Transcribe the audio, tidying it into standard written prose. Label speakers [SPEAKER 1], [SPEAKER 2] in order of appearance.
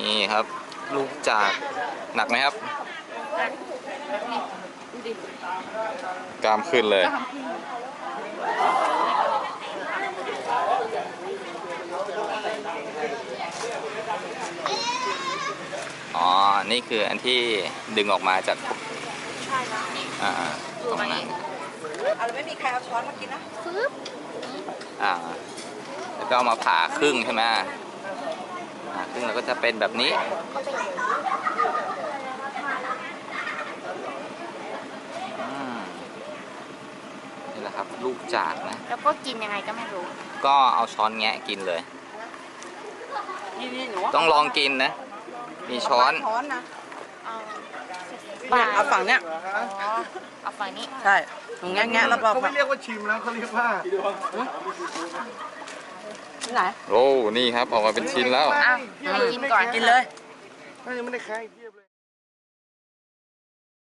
[SPEAKER 1] นี่ครับลูกจากหนักไหมครับกล้ามขึ้นเลยอ๋อนี่คืออันที่ดึงออกมาจาก
[SPEAKER 2] ใช่แล้ว
[SPEAKER 1] ตรงนั้น
[SPEAKER 2] เอาแล้วไม่มีใครเอาช้อนมากินนะฟึบ
[SPEAKER 1] แล้วก็เอามาผ่าครึ่งใช่ไหมผ่าครึ่งแล้วก็จะเป็นแบบนี้นี่แหละครับลูกจากนะ
[SPEAKER 2] แล้วก็กินยังไงก็ไม่รู้
[SPEAKER 1] ก็เอาช้อนแงะกินเลยต้องลองกินนะมีช้อน
[SPEAKER 2] นะเอาฝั่งเนี้ยเอาฝั่งนี้ใช่ตรงแงะแล้วบอก
[SPEAKER 3] เขาไม่เรียกว่าชิมแล้วเขาเรียกว่า
[SPEAKER 2] ไหน
[SPEAKER 1] โอ้นี่ครับออกมาเป็นชิ้นแล้ว
[SPEAKER 2] กินก่อนกินเลย
[SPEAKER 3] ยังไม่ได้ใครเทียบเลย